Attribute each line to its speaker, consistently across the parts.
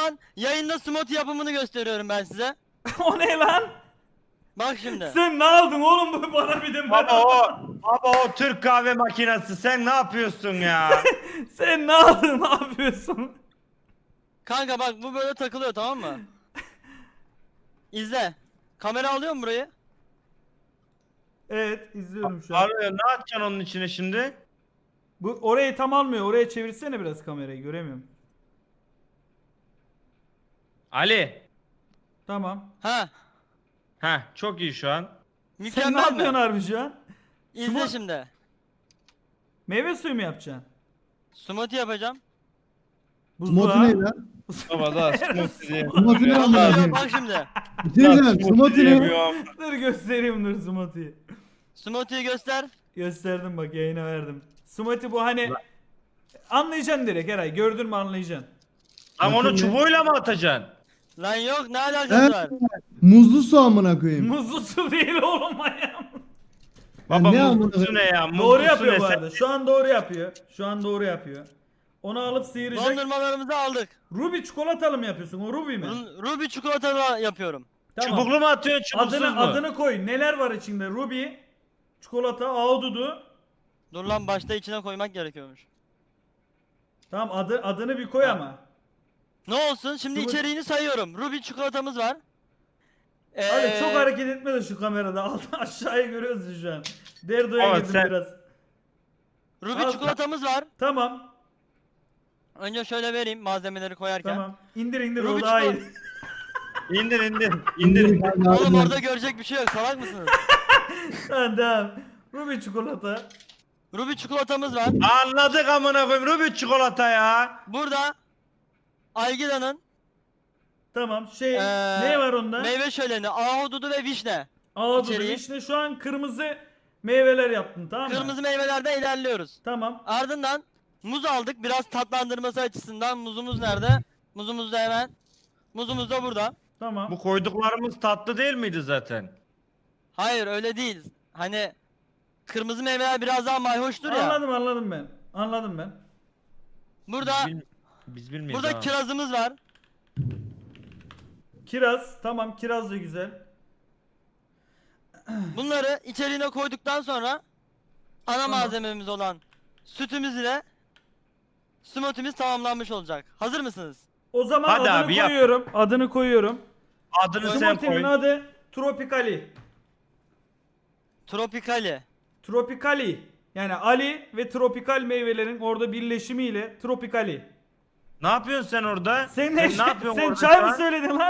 Speaker 1: an yayında smoothie yapımını gösteriyorum ben size.
Speaker 2: O ne lan?
Speaker 1: Bak şimdi.
Speaker 2: Sen ne aldın oğlum bu bana bir de
Speaker 3: Baba o Türk kahve makinesi, sen ne yapıyorsun ya?
Speaker 2: Sen ne aldın, ne yapıyorsun?
Speaker 1: Kanka bak bu böyle takılıyor, tamam mı? İzle. Kamera alıyor mu burayı?
Speaker 2: Evet, izliyorum şu an.
Speaker 3: Arıyor, ne yapacaksın onun içine şimdi?
Speaker 2: Bu orayı tam almıyor. Oraya çevirsene biraz kamerayı, göremiyorum.
Speaker 3: Ali.
Speaker 2: Tamam.
Speaker 1: Ha.
Speaker 3: Heh, çok iyi şu an.
Speaker 2: Sen ne
Speaker 1: Mükemmel
Speaker 2: yapıyorsun
Speaker 1: mi?
Speaker 2: harbi şu an?
Speaker 1: İzle
Speaker 2: Smooth-
Speaker 1: şimdi.
Speaker 2: Meyve suyu mu yapacaksın?
Speaker 1: Smoothie yapacağım.
Speaker 4: Smoothie ne lan?
Speaker 3: Baba da smoothie diye.
Speaker 4: Smoothie ne
Speaker 1: Vallahi
Speaker 4: amına
Speaker 1: yok,
Speaker 4: koyayım?
Speaker 1: bak şimdi.
Speaker 4: Bir şey diyeceğim. Smoothie ne?
Speaker 3: diyemiyorum.
Speaker 2: Dur göstereyim, dur smoothie'yi.
Speaker 1: Smoothie'yi göster.
Speaker 2: Gösterdim bak, yayına verdim. Smoothie bu hani anlayacaksın direkt Eray. Gördün mü anlayacaksın.
Speaker 3: Lan onu
Speaker 4: Bakın
Speaker 3: çubuğuyla mı atacaksın?
Speaker 1: Lan yok, ne alakası var?
Speaker 4: Muzlu su amına koyayım.
Speaker 2: Muzlu su değil oğlum ayağım.
Speaker 3: Baba
Speaker 4: ne
Speaker 3: muzlu
Speaker 4: amına
Speaker 3: su ne ya? Muzlu
Speaker 2: Doğru
Speaker 3: su
Speaker 2: yapıyor
Speaker 3: ne?
Speaker 2: bu
Speaker 3: Sen-
Speaker 2: arada. Şu an doğru yapıyor. Şu an doğru yapıyor. Onu alıp sıyıracak.
Speaker 1: Dondurmalarımızı aldık.
Speaker 2: Ruby çikolatalı mı yapıyorsun? O Ruby mi?
Speaker 1: Ruby çikolata yapıyorum.
Speaker 2: Tamam.
Speaker 3: Çubuklu mu atıyorsun, çubuksuz mu?
Speaker 2: Adını koy. Neler var içinde? Ruby, çikolata, ahududu.
Speaker 1: Dur lan, başta içine koymak gerekiyormuş.
Speaker 2: Tamam, adını bir koy ama.
Speaker 1: Ne olsun şimdi,
Speaker 2: Smoothie-
Speaker 1: içeriğini sayıyorum. Ruby çikolatamız var.
Speaker 2: Hadi çok hareket etme de şu kamerada. Altı aşağıya görüyoruz şu an. Derdo'ya
Speaker 3: Evet,
Speaker 2: girdim
Speaker 3: sen-
Speaker 2: biraz.
Speaker 1: Ruby
Speaker 2: Al.
Speaker 1: çikolatamız var.
Speaker 2: Tamam.
Speaker 1: Önce şöyle vereyim malzemeleri koyarken.
Speaker 2: Tamam. İndir
Speaker 1: Ruby
Speaker 2: o daha iyi.
Speaker 3: İndir indir. İndir.
Speaker 1: Oğlum orada görecek bir şey yok, salak mısınız?
Speaker 2: Tamam. Ruby çikolata.
Speaker 1: Ruby çikolatamız var.
Speaker 3: Anladık amına koyayım, Ruby çikolata ya.
Speaker 1: Burada Algida'nın
Speaker 2: Tamam.
Speaker 1: Ee,
Speaker 2: ne var onda?
Speaker 1: meyve şöleni, ahududu ve vişne.
Speaker 2: Ahududu,
Speaker 1: içeriği.
Speaker 2: vişne. Şu an kırmızı meyveler yaptın, tamam mı?
Speaker 1: Kırmızı meyvelerde ilerliyoruz.
Speaker 2: Tamam.
Speaker 1: Ardından muz aldık biraz tatlandırması açısından. Muzumuz nerede? Muzumuz da hemen. Muzumuz da burada.
Speaker 2: Tamam.
Speaker 3: Bu koyduklarımız tatlı değil miydi zaten?
Speaker 1: Hayır öyle değil. Hani kırmızı meyveler biraz daha mayhoştur ya.
Speaker 2: Anladım ben. Anladım ben.
Speaker 1: Burada
Speaker 3: Biz bilmiyoruz.
Speaker 1: burada
Speaker 3: ha.
Speaker 1: kirazımız var.
Speaker 2: Kiraz. Tamam, kiraz da güzel.
Speaker 1: Bunları içeriğine koyduktan sonra ana
Speaker 2: Tamam.
Speaker 1: malzememiz olan sütümüz ile smoothie'miz tamamlanmış olacak. Hazır mısınız?
Speaker 2: O zaman
Speaker 3: Hadi
Speaker 2: adını
Speaker 3: abi, yap.
Speaker 2: koyuyorum. Adını koyuyorum.
Speaker 3: Adını sen
Speaker 2: Smoothie'nin
Speaker 3: koy.
Speaker 2: adı Tropicali.
Speaker 1: Tropicali.
Speaker 2: Tropicali. Yani Ali ve tropikal meyvelerin orada birleşimiyle Tropicali.
Speaker 3: Ne yapıyorsun sen orada?
Speaker 2: Sen
Speaker 3: ne yapıyorsun
Speaker 2: sen
Speaker 3: orada
Speaker 2: çay
Speaker 3: şu
Speaker 2: mı
Speaker 3: an?
Speaker 2: söyledin lan?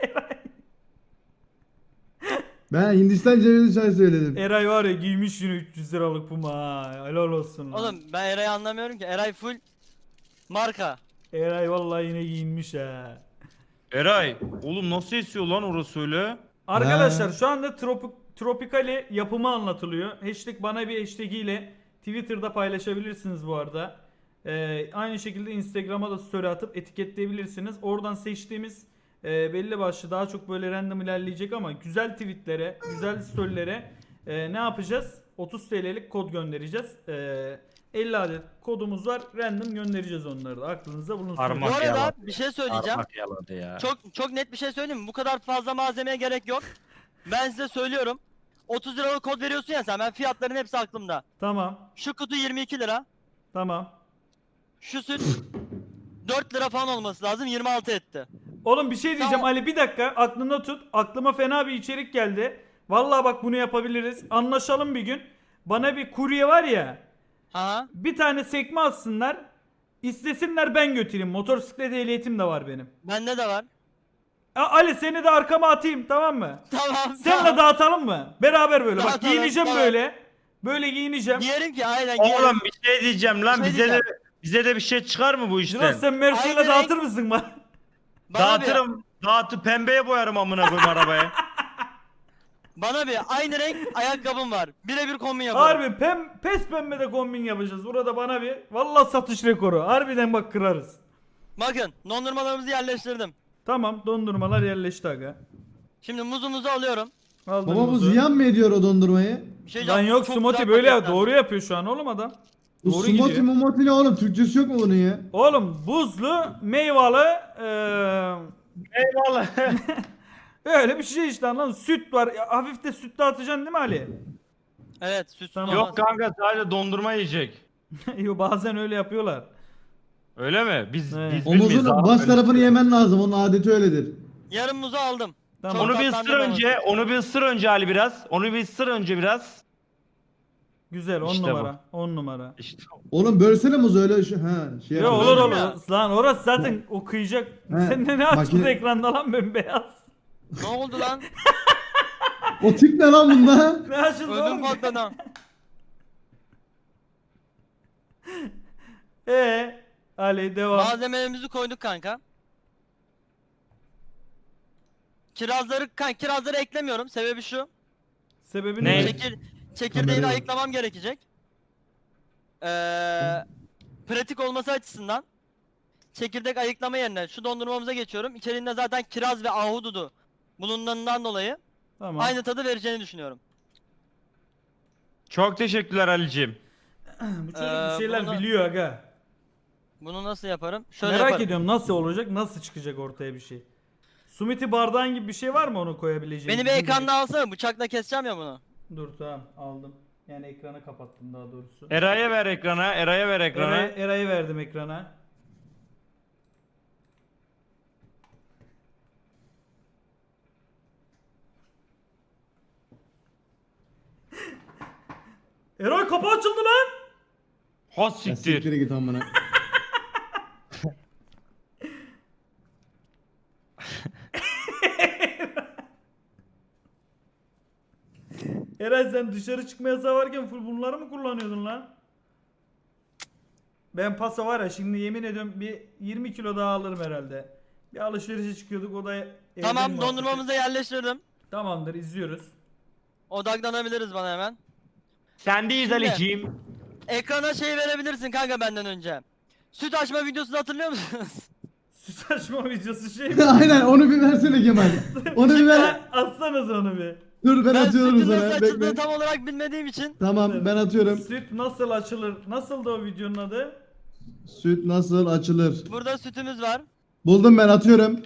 Speaker 4: Ben Hindistan cevizi çay söyledim.
Speaker 2: Eray var ya, giymiş yine 300 liralık Puma ha. Helal olsun lan.
Speaker 1: Oğlum ben Eray'ı anlamıyorum ki. Eray full marka.
Speaker 2: Eray vallahi yine giyinmiş ha.
Speaker 3: Eray, oğlum nasıl esiyor lan orası öyle?
Speaker 2: Arkadaşlar
Speaker 4: Ha.
Speaker 2: şu anda Tropicali yapımı anlatılıyor. Hashtag bana bir hashtag ile Twitter'da paylaşabilirsiniz bu arada. Aynı şekilde Instagram'a da story atıp etiketleyebilirsiniz. Oradan seçtiğimiz belli başlı daha çok böyle random ilerleyecek ama güzel tweetlere, güzel storylere ne yapacağız? 30 TL'lik kod göndereceğiz. 50 adet kodumuz var. Random göndereceğiz onları da. Aklınızda bulunsun.
Speaker 3: Parmak
Speaker 1: Bu arada
Speaker 3: yaladı.
Speaker 1: bir şey söyleyeceğim.
Speaker 3: Parmak yaladı ya.
Speaker 1: Çok net bir şey söyleyeyim mi? Bu kadar fazla malzemeye gerek yok. Ben size söylüyorum. 30 liralık kod veriyorsun ya sen. Ben fiyatların hepsi aklımda.
Speaker 2: Tamam.
Speaker 1: Şu kutu 22 lira.
Speaker 2: Tamam.
Speaker 1: Şu süt 4 lira falan olması lazım. 26 etti.
Speaker 2: Oğlum bir şey diyeceğim
Speaker 1: Tamam.
Speaker 2: Ali, bir dakika aklında tut. Aklıma fena bir içerik geldi. Vallahi bak bunu yapabiliriz. Anlaşalım bir gün. Bana bir kurye var ya.
Speaker 1: Ha?
Speaker 2: Bir tane sekme atsınlar. İstesinler ben götüreyim. Motosiklet ehliyetim de var benim.
Speaker 1: Bende de var.
Speaker 2: Ali seni de arkama atayım, tamam mı?
Speaker 1: Tamam.
Speaker 2: Seninle
Speaker 1: tamam.
Speaker 2: dağıtalım mı? Beraber böyle. Bak
Speaker 1: Dağıtalım,
Speaker 2: giyineceğim
Speaker 1: tamam.
Speaker 2: böyle. Böyle giyineceğim.
Speaker 1: Giyerim ki aynen giyerim.
Speaker 3: Oğlum bir şey diyeceğim lan,
Speaker 1: Bir şey
Speaker 3: bize de
Speaker 1: diyeceğim.
Speaker 3: bize de bir şey çıkar mı bu işten?
Speaker 2: Jirox sen Mersu'yla
Speaker 1: Aynı
Speaker 2: dağıtır mısın bana?
Speaker 1: Bana bir,
Speaker 3: Dağıtıp pembeye boyarım amına koyayım arabaya.
Speaker 1: bana bir aynı renk ayakkabım var. Birebir kombin yaparım.
Speaker 2: Harbi pes pembe de kombin yapacağız. Burada bana bir vallahi satış rekoru. Harbiden bak kırarız.
Speaker 1: Bakın dondurmalarımızı yerleştirdim.
Speaker 2: Tamam, dondurmalar yerleşti aga.
Speaker 1: Şimdi muzumuzu alıyorum.
Speaker 2: Aldım
Speaker 4: Baba bu
Speaker 2: muzu.
Speaker 4: ziyan mı ediyor o dondurmayı?
Speaker 1: Bir şey
Speaker 2: Lan
Speaker 1: diyeceğim,
Speaker 2: yok
Speaker 1: çok
Speaker 2: Smoothie
Speaker 1: güzel
Speaker 2: böyle ya,
Speaker 1: paketler.
Speaker 2: doğru yapıyor şu an oğlum adam.
Speaker 4: Bu
Speaker 2: Doğru
Speaker 4: smoothie
Speaker 2: gidiyor.
Speaker 4: mumoti ne oğlum? Türkçesi yok mu bunun ya?
Speaker 2: Oğlum buzlu, meyveli,
Speaker 3: Eyvallah.
Speaker 2: öyle bir şey işte anladın mı? Süt var. Ya, hafif de süt de atacaksın değil mi Ali?
Speaker 1: Evet sütsüz
Speaker 2: Tamam.
Speaker 1: olmaz.
Speaker 3: Yok kanka sadece dondurma yiyecek.
Speaker 2: Yo, bazen öyle yapıyorlar.
Speaker 3: Öyle mi? Biz
Speaker 2: Evet.
Speaker 3: biz bilmeyiz
Speaker 4: Omuzun
Speaker 3: abi.
Speaker 4: baş
Speaker 3: Öyle
Speaker 4: tarafını
Speaker 3: şey.
Speaker 4: yemen lazım. Onun adeti öyledir.
Speaker 1: Yarım muzu aldım.
Speaker 2: Tamam.
Speaker 1: Çok
Speaker 3: Onu bir ısır
Speaker 1: tatlandırmaması
Speaker 3: önce,
Speaker 1: için.
Speaker 3: onu bir ısır önce Ali biraz. Onu bir ısır önce biraz.
Speaker 2: Güzel 10
Speaker 3: İşte bu.
Speaker 2: numara. 10 numara.
Speaker 3: İşte
Speaker 4: Oğlum bölsene muzu öyle şu şey
Speaker 2: Yo
Speaker 4: yapıyor.
Speaker 2: olur
Speaker 1: Böldüm
Speaker 2: olur.
Speaker 1: ya.
Speaker 2: Lan orası zaten okuyacak.
Speaker 4: He,
Speaker 2: Sen de ne açtın
Speaker 4: makine-
Speaker 2: ekranda lan bembeyaz?
Speaker 1: Ne oldu lan?
Speaker 4: O tip ne lan bunda?
Speaker 2: Ne açıldı
Speaker 1: Ödüm
Speaker 2: oğlum?
Speaker 1: patladı.
Speaker 2: Ali devam.
Speaker 1: Malzemelerimizi koyduk kanka. Kirazları eklemiyorum. Sebebi şu.
Speaker 2: Sebebi
Speaker 3: Ne?
Speaker 2: ne?
Speaker 1: Çekirdeğini
Speaker 4: Kamerayı-
Speaker 1: ayıklamam gerekecek. Pratik olması açısından çekirdek ayıklama yerine şu dondurmamıza geçiyorum. İçeriğinde zaten kiraz ve ahududu bulunduğundan dolayı
Speaker 2: Tamam.
Speaker 1: aynı tadı vereceğini düşünüyorum.
Speaker 3: çok teşekkürler Ali'cim.
Speaker 2: Bu çocuk bir şeyler
Speaker 1: bunu-
Speaker 2: biliyor aga.
Speaker 1: Bunu nasıl yaparım? Şöyle
Speaker 2: Merak
Speaker 1: yaparım.
Speaker 2: ediyorum nasıl olacak, nasıl çıkacak ortaya bir şey. Sumiti bardağın gibi bir şey var mı onu koyabileceğim?
Speaker 1: Beni bir ekranda alsana, bıçakla keseceğim ya bunu.
Speaker 2: Dur tamam aldım. Yani ekranı kapattım daha doğrusu.
Speaker 3: Eray'a ver ekrana, Eray'a ver ekrana.
Speaker 2: Eray'ı verdim ekrana. Eray kapı açıldı lan.
Speaker 3: Ha
Speaker 4: Ya
Speaker 3: siktir.
Speaker 4: siktir git amına.
Speaker 2: Eray sen dışarı çıkma yasağı varken full bunları mı kullanıyordun lan? Ben pasa var ya şimdi yemin ediyorum bir 20 kilo daha alırım herhalde. Bir alışverişe çıkıyorduk o da evden
Speaker 1: Tamam,
Speaker 2: muhabbeti.
Speaker 1: dondurmamızı yerleştirdim.
Speaker 2: Tamamdır izliyoruz.
Speaker 1: Odaklanabiliriz bana hemen.
Speaker 3: Sendeyiz
Speaker 1: Şimdi-
Speaker 3: Ali'ciğim.
Speaker 1: Ekrana şey verebilirsin kanka benden önce. Süt açma videosunu hatırlıyor musunuz?
Speaker 2: Süt açma videosu şey mi?
Speaker 4: Aynen onu bir versene Kemal. Onu bir ver.
Speaker 2: Atsanız onu bir.
Speaker 4: Dur ben
Speaker 1: Ben
Speaker 4: atıyorum
Speaker 1: sütün nasıl
Speaker 4: sana.
Speaker 1: açıldığını
Speaker 4: Bekle.
Speaker 1: tam olarak bilmediğim için.
Speaker 4: Tamam ben atıyorum.
Speaker 2: Süt nasıl açılır? Nasıldı o videonun adı?
Speaker 4: Süt nasıl açılır?
Speaker 1: Burada sütümüz var.
Speaker 4: Buldum ben atıyorum.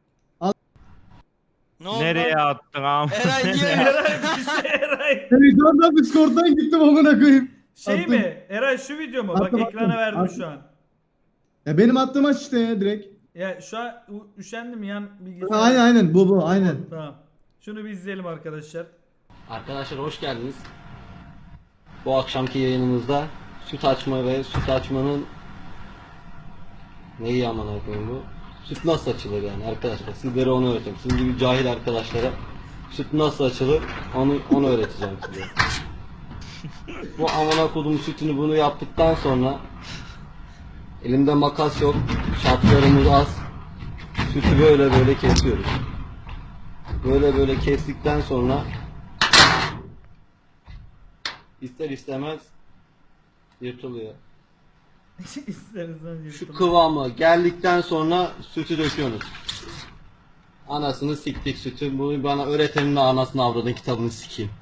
Speaker 1: Ne oldu?
Speaker 3: Nereye attın am?
Speaker 1: Eray niye?
Speaker 2: Eray bir şey Eray.
Speaker 4: Televizyondan Discord'dan gittim amına koyayım.
Speaker 2: Şey
Speaker 4: Attım.
Speaker 2: mi? Eray şu video mu? Bak
Speaker 4: Attım,
Speaker 2: ekrana
Speaker 4: attım,
Speaker 2: verdim
Speaker 4: attım.
Speaker 2: şu an.
Speaker 4: Ya benim attığım aç işte ya direkt.
Speaker 2: Ya şu an üşendim yan bilgisayar.
Speaker 4: Ha, aynen bu aynen.
Speaker 2: Tamam. Şunu bir izleyelim arkadaşlar.
Speaker 5: Arkadaşlar hoş geldiniz. Bu akşamki yayınımızda süt açma ve süt açmanın neyi amına koyayım bu? Süt nasıl açılır yani arkadaşlar? Sizlere onu öğreteceğim. Sizin gibi cahil arkadaşlara süt nasıl açılır onu öğreteceğim size. Bu amına koydum sütünü bunu yaptıktan sonra elimde makas yok. Şartlarımız az. Sütü böyle böyle kesiyoruz. Böyle böyle kestikten sonra İster istemez yırtılıyor.
Speaker 2: İsterseniz
Speaker 5: Şu
Speaker 2: yırtın.
Speaker 5: kıvamı geldikten sonra sütü döküyorsunuz. Anasını siktik sütü. Bunu bana öğretenin de anasını avradın kitabını sikeyim.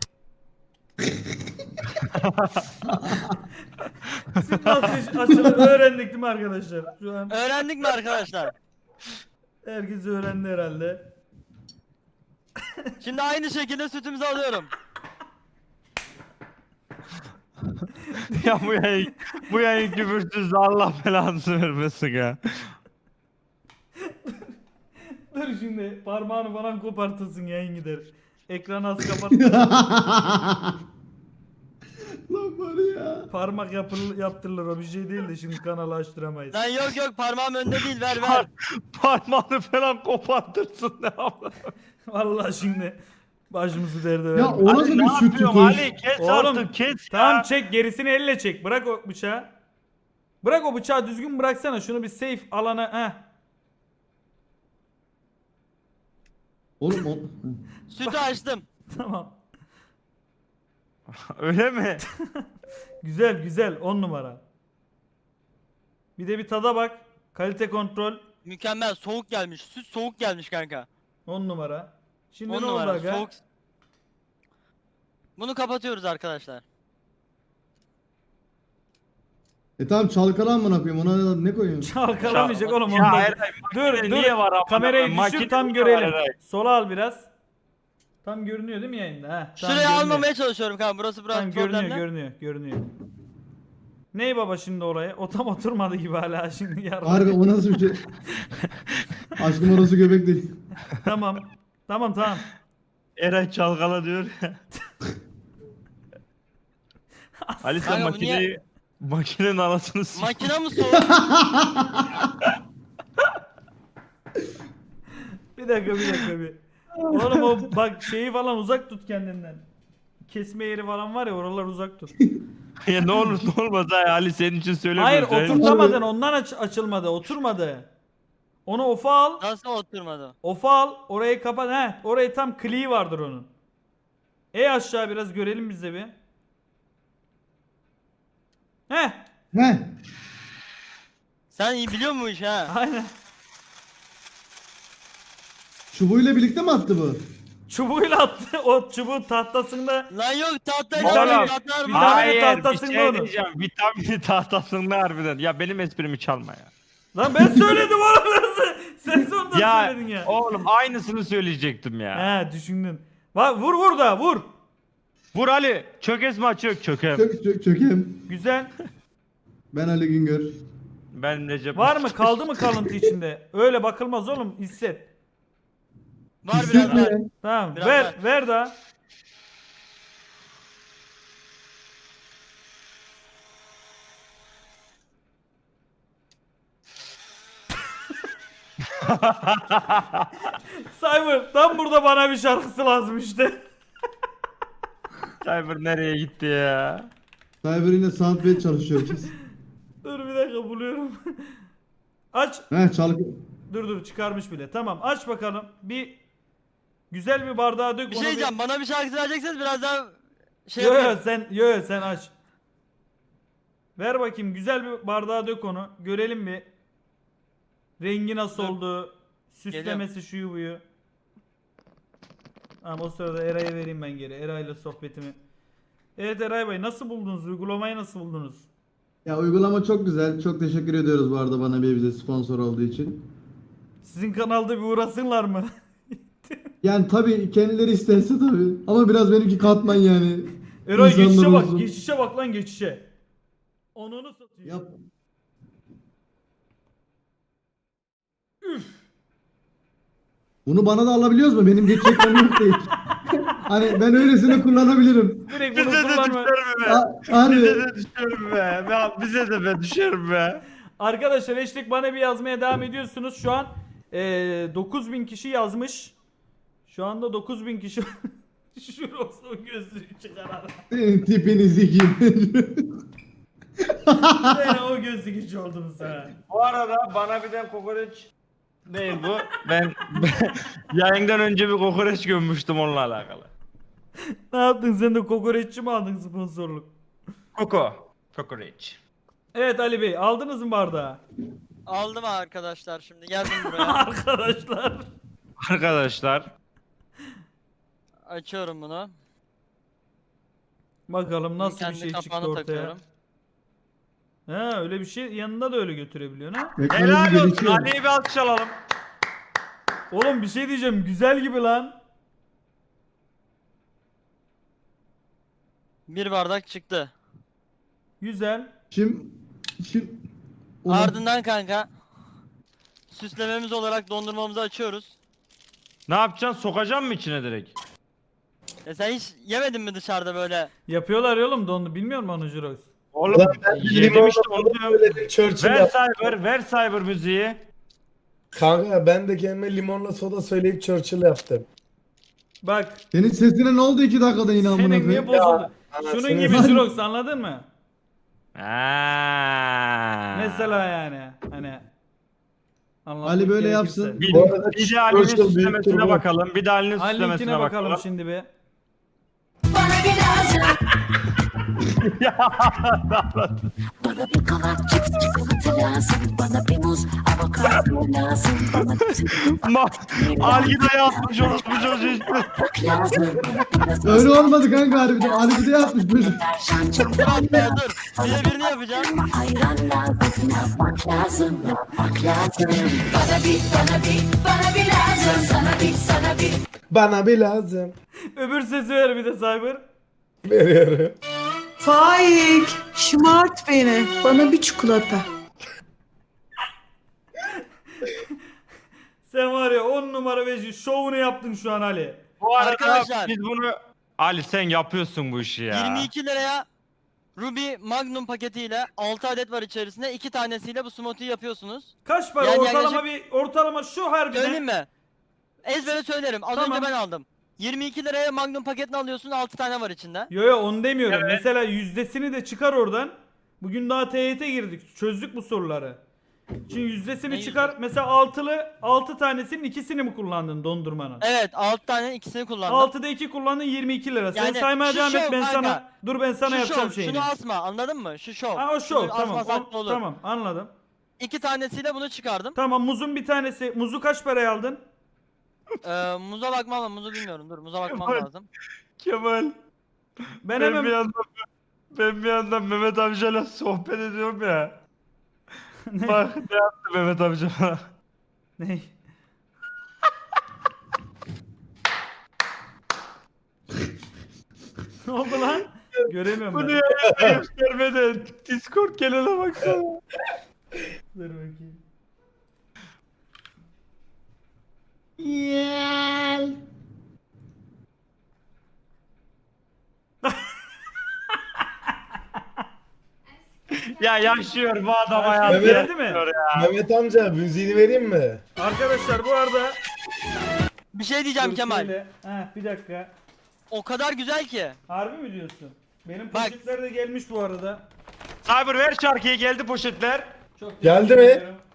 Speaker 2: Süt nasıl açılır öğrendik değil mi arkadaşlar? Şu an
Speaker 1: Öğrendik mi arkadaşlar?
Speaker 2: herkes öğrendi herhalde.
Speaker 1: Şimdi aynı şekilde sütümüzü alıyorum.
Speaker 3: Ya bu yayın küfürsüz Allah belanı vermesin ya.
Speaker 2: Dur şimdi parmağını falan kopartırsın yayın gider. Ekranı az kapat.
Speaker 4: Lan var ya.
Speaker 2: Parmak yaptırılır o bir şey değil de şimdi kanalı açtıramayız.
Speaker 1: Lan yok parmağım önde değil, ver.
Speaker 3: Parmağını falan kopartırsın ne yapalım?
Speaker 2: Vallahi şimdi başımızı derde
Speaker 4: Ya
Speaker 2: verme.
Speaker 4: o nasıl
Speaker 3: Ali,
Speaker 4: bir
Speaker 3: ne
Speaker 4: süt
Speaker 3: yapıyorsun
Speaker 4: tutuş?
Speaker 3: Ali kes
Speaker 2: Oğlum,
Speaker 3: artık kes ya.
Speaker 2: Tamam çek gerisini elle çek. Bırak o bıçağı. Bırak o bıçağı düzgün bıraksana. Şunu bir safe alana. Heh.
Speaker 4: Oğlum o...
Speaker 1: Sütü açtım.
Speaker 2: Tamam.
Speaker 3: Öyle mi?
Speaker 2: Güzel güzel 10 numara. Bir de bir tada bak. Kalite kontrol
Speaker 1: Mükemmel, soğuk gelmiş. Süt soğuk gelmiş kanka.
Speaker 2: 10 numara. Şimdi
Speaker 1: 10
Speaker 2: ne oldu
Speaker 1: numara
Speaker 2: aga?
Speaker 1: soğuk. Bunu kapatıyoruz arkadaşlar.
Speaker 4: Tamam çalkala amına koyayım. Ona ne koyayım?
Speaker 2: Çalkalamayacak oğlum
Speaker 3: Ya
Speaker 2: ondan.
Speaker 3: Eray,
Speaker 2: Dur
Speaker 3: makine
Speaker 2: dur.
Speaker 3: niye var amına
Speaker 2: Kamerayı
Speaker 3: koyayım?
Speaker 2: düşür
Speaker 3: Makine
Speaker 2: tam
Speaker 3: niye var
Speaker 2: görelim.
Speaker 3: Eray?
Speaker 2: Sola al biraz. Tam görünüyor değil mi yayında? Heh, tam
Speaker 1: Şuraya
Speaker 2: görünüyor.
Speaker 1: almamaya çalışıyorum kanka. Burası biraz
Speaker 2: Tam
Speaker 1: problemli.
Speaker 2: görünüyor. Ney baba şimdi oraya? O tam oturmadı gibi hala şimdi yarın.
Speaker 4: Harbi o nasıl bir şey? Aşkım orası göbek değil.
Speaker 2: Tamam.
Speaker 3: Eray çalkala diyor ya. Ali sen
Speaker 1: Kanka bu niye-
Speaker 3: makinenin anasını s***.
Speaker 1: Makine mi soğuk?
Speaker 2: Bir dakika bir. Oğlum o bak şeyi falan uzak tut kendinden. Kesme yeri falan var ya oralar uzak tut.
Speaker 3: Ya ne olur ne olmaz ha Ali senin için
Speaker 2: Hayır
Speaker 3: söylemiyorum.
Speaker 2: oturtamadın ondan açılmadı oturmadı. Onu ofa al.
Speaker 1: Nasıl oturmadı?
Speaker 2: Ofa al orayı kapat. He orayı tam kliği vardır onun. Aşağı biraz görelim biz de bir. Heh
Speaker 4: Heh.
Speaker 1: Sen iyi biliyor musun bu işi ha?
Speaker 2: aynen.
Speaker 4: Çubuğuyla birlikte mi attı bu?
Speaker 2: Çubuğuyla attı o çubuğun tahtasında.
Speaker 1: Lan yok tahta
Speaker 2: Oğlum,
Speaker 1: tahtalar
Speaker 2: bir
Speaker 1: var.
Speaker 2: tane
Speaker 3: Hayır
Speaker 2: tahtasında
Speaker 3: bir şey
Speaker 2: onu.
Speaker 3: diyeceğim. Vitamini tahtasında harbiden. Ya benim esprimi çalma ya.
Speaker 2: Lan ben söyledim oğlum sen sonunda
Speaker 3: Ya
Speaker 2: söyledin ya.
Speaker 3: oğlum aynısını söyleyecektim ya.
Speaker 2: He düşündün. Vur da vur.
Speaker 3: Vur Ali. Çökesme çök çökem.
Speaker 4: Çökem.
Speaker 2: Güzel.
Speaker 4: Ben Ali Güngör.
Speaker 3: Ben Recep.
Speaker 2: Var mı kaldı mı kalıntı içinde? Öyle bakılmaz oğlum hisset.
Speaker 1: Var biraz var.
Speaker 2: Tamam
Speaker 1: Biraz
Speaker 2: ver
Speaker 1: var.
Speaker 2: ver daha. Cyber tam burada bana bir şarkısı lazım işte.
Speaker 3: Cyber nereye gitti ya?
Speaker 4: Cyber yine soundpad çalışıyor.
Speaker 2: Dur bir dakika buluyorum. Aç.
Speaker 4: Heh çalkı.
Speaker 2: Dur çıkarmış bile. Tamam aç bakalım. Bir güzel bir bardağa dök.
Speaker 1: Bir
Speaker 2: onu
Speaker 1: şey diyeceğim bana bir şarkı verecekseniz biraz daha şey
Speaker 2: Yo
Speaker 1: yapayım.
Speaker 2: sen aç. Ver bakayım güzel bir bardağa dök onu. Görelim bir. Rengi nasıl
Speaker 1: Dur.
Speaker 2: oldu? Süslemesi şuyu buyu. Ama o sırada Eray'a vereyim ben geri. Eray'la sohbetimi. Evet Eray Bey nasıl buldunuz? Uygulamayı nasıl buldunuz?
Speaker 4: Ya uygulama çok güzel. Çok teşekkür ediyoruz bu arada bana bize sponsor olduğu için.
Speaker 2: Sizin kanalda bir uğrasınlar mı?
Speaker 4: Yani tabii kendileri isterse tabii. Ama biraz benimki katman yani.
Speaker 2: Eray
Speaker 4: İnsanlar
Speaker 2: geçişe bak.
Speaker 4: olsun.
Speaker 2: Geçişe bak lan geçişe. Onunu satayım.
Speaker 4: Yap. Bunu bana da alabiliyoruz mu? Benim geçeceklerim yok değil. Hani ben öylesine kullanabilirim.
Speaker 2: Direkt bunu
Speaker 3: Bize de
Speaker 2: kullanma.
Speaker 3: düşerim be.
Speaker 4: Hani
Speaker 3: Bize de düşerim be. Bize de be düşerim be.
Speaker 2: Arkadaşlar hashtag bana bir yazmaya devam ediyorsunuz. Şu an 9000 kişi yazmış. Şu anda 9000 kişi şurası o gözlüğü çıkarar.
Speaker 4: senin tipini sikeyim.
Speaker 2: Ben o gözlük hiç oldum sana.
Speaker 3: Bu arada bana bir de kokoreç değil bu. Ben yayından önce bir kokoreç gömmüştüm onunla alakalı.
Speaker 2: Ne yaptın sen de kokoreççi mi aldın sponsorluk?
Speaker 3: Kokoreç.
Speaker 2: Evet Ali Bey aldınız mı bardağı?
Speaker 1: Aldım arkadaşlar şimdi geldim buraya.
Speaker 2: Arkadaşlar.
Speaker 3: Arkadaşlar.
Speaker 1: Açıyorum bunu.
Speaker 2: Bakalım nasıl bir
Speaker 1: Kendi
Speaker 2: şey çıktı
Speaker 1: kapağını
Speaker 2: ortaya.
Speaker 1: takıyorum.
Speaker 2: Ha öyle bir şey yanında da öyle götürebiliyorsun ha.
Speaker 3: Helal olsun.
Speaker 4: gelişiyor.
Speaker 3: Ali'ye bir alkış alalım.
Speaker 2: Oğlum bir şey diyeceğim güzel gibi lan.
Speaker 1: Bir bardak çıktı.
Speaker 2: Güzel.
Speaker 4: Şimdi
Speaker 1: Ardından kanka süslememiz olarak dondurmamızı açıyoruz.
Speaker 3: Ne yapacaksın? Sokacaksın mı içine direkt?
Speaker 1: Sen hiç yemedin mi dışarıda böyle?
Speaker 2: Yapıyorlar ya oğlum dondu bilmiyor musun onu Jirox?
Speaker 3: Oğlum yedim işte onu diyorum.
Speaker 6: Söyledim, Churchill
Speaker 3: Ver
Speaker 6: yap.
Speaker 3: Cyber, ver Cyber müziği.
Speaker 6: Kanka ben de kendime limonla soda söyleyip Churchill yaptım.
Speaker 2: Bak
Speaker 4: senin sesine ne oldu 2 dakikada yine amına
Speaker 2: senin niye
Speaker 4: koyayım?
Speaker 2: bozuldu?
Speaker 6: anasını
Speaker 2: Şunun gibi
Speaker 4: satayım.
Speaker 2: Jirox anladın mı?
Speaker 3: Mesela
Speaker 2: yani hani anlatmak
Speaker 4: Ali böyle
Speaker 2: gerekirse.
Speaker 4: yapsın.
Speaker 3: Bir,
Speaker 6: Bu arada
Speaker 3: bir de Ali'nin
Speaker 6: Churchill büyük
Speaker 3: süslemesine
Speaker 6: turbo.
Speaker 3: bakalım. Bir de Ali'nin
Speaker 2: Ali'ninkine
Speaker 3: süslemesine
Speaker 2: bakalım
Speaker 3: bakalım.
Speaker 2: şimdi bir.
Speaker 7: Bana bir daha Bana bir kavak cips çikolata lazım. Bana bir muz avokado lazım. Bana bir
Speaker 3: Algida yapmış orospu çocuğu işte.
Speaker 7: tabak lazım. Bana biraz
Speaker 4: Öyle olmadı kanka harbiden. Ali bir de yapmış böyle.
Speaker 7: deterjan çok
Speaker 1: Dur atma dur. Bir de birini yapacağım.
Speaker 7: ayran lazım. Yapmak lazım. Yapmak lazım. Bana bir lazım. Sana bir.
Speaker 6: Bana bir lazım.
Speaker 2: Öbür sesi ver bir de Cyber.
Speaker 6: Veriyorum.
Speaker 8: Faik, şımart beni. Bana bir çikolata.
Speaker 2: Sen var ya 10 numara ve şovunu yaptın şu an Ali.
Speaker 3: Bu arada
Speaker 1: Arkadaşlar.
Speaker 3: biz bunu... Ali sen yapıyorsun bu işi ya.
Speaker 1: 22 liraya Ruby Magnum paketiyle 6 adet var içerisinde. 2 tanesiyle bu smoothie'yi yapıyorsunuz.
Speaker 2: Kaç para
Speaker 1: Yani
Speaker 2: ortalama
Speaker 1: yaklaşık-
Speaker 2: bir ortalama şu harbiden.
Speaker 1: Söyleyeyim mi? Ezbere söylerim. Az
Speaker 2: Tamam.
Speaker 1: önce ben aldım. 22 liraya Magnum paketini alıyorsun. 6 tane var içinde.
Speaker 2: Yo onu demiyorum. Mesela yüzdesini de çıkar oradan. Bugün daha TYT girdik. Çözdük bu soruları. Şimdi yüzdesini
Speaker 1: Ne
Speaker 2: çıkar. Mesela 6 tanesinin ikisini mi kullandın dondurmanın?
Speaker 1: Evet 6 tane ikisini kullandım.
Speaker 2: 6'da 2 kullandın 22 lira. Sen
Speaker 1: Yani
Speaker 2: saymaya
Speaker 1: şu
Speaker 2: devam et
Speaker 1: şov
Speaker 2: ben
Speaker 1: kanka.
Speaker 2: sana. Dur ben sana
Speaker 1: Şu
Speaker 2: yapacağım
Speaker 1: şov,
Speaker 2: şeyini.
Speaker 1: şunu asma anladın mı? Şu şov.
Speaker 2: Ha o şov
Speaker 1: Şunu
Speaker 2: tamam.
Speaker 1: asmasak da olur.
Speaker 2: Tamam anladım.
Speaker 1: 2 tanesiyle bunu çıkardım.
Speaker 2: Tamam muzun bir tanesi. Muzu kaç paraya aldın?
Speaker 1: Muza bakmam ama muzu bilmiyorum. Dur muza bakmam
Speaker 3: Kemal.
Speaker 1: lazım.
Speaker 3: Kemal.
Speaker 2: Ben
Speaker 3: Ben
Speaker 2: hemen
Speaker 3: bir yandan Mehmet amcayla sohbet ediyorum ya.
Speaker 2: Ne?
Speaker 3: Bak ne yaptı Mehmet amca bana.
Speaker 2: Ne? Ne oldu lan? Göremiyorum
Speaker 3: Bunu
Speaker 2: ben.
Speaker 3: yayında göstermeden Discord gelene baksana.
Speaker 2: Dur bakayım.
Speaker 3: Ya yaşıyor bu adam
Speaker 2: Başka
Speaker 3: hayatı.
Speaker 6: Mehmet-
Speaker 2: geldi mi?
Speaker 3: yaşıyor ya.
Speaker 6: Mehmet amca müziğini vereyim mi?
Speaker 2: Arkadaşlar bu arada
Speaker 1: Bir şey diyeceğim
Speaker 2: dur
Speaker 1: Kemal.
Speaker 2: şöyle. Heh, bir dakika.
Speaker 1: O kadar güzel ki.
Speaker 2: Harbi mi diyorsun? Benim
Speaker 1: Bak.
Speaker 2: poşetler de gelmiş bu arada.
Speaker 3: Cyber ver şarkıyı geldi poşetler.
Speaker 2: Çok
Speaker 6: Geldi
Speaker 2: teşekkür
Speaker 6: mi?
Speaker 2: ederim.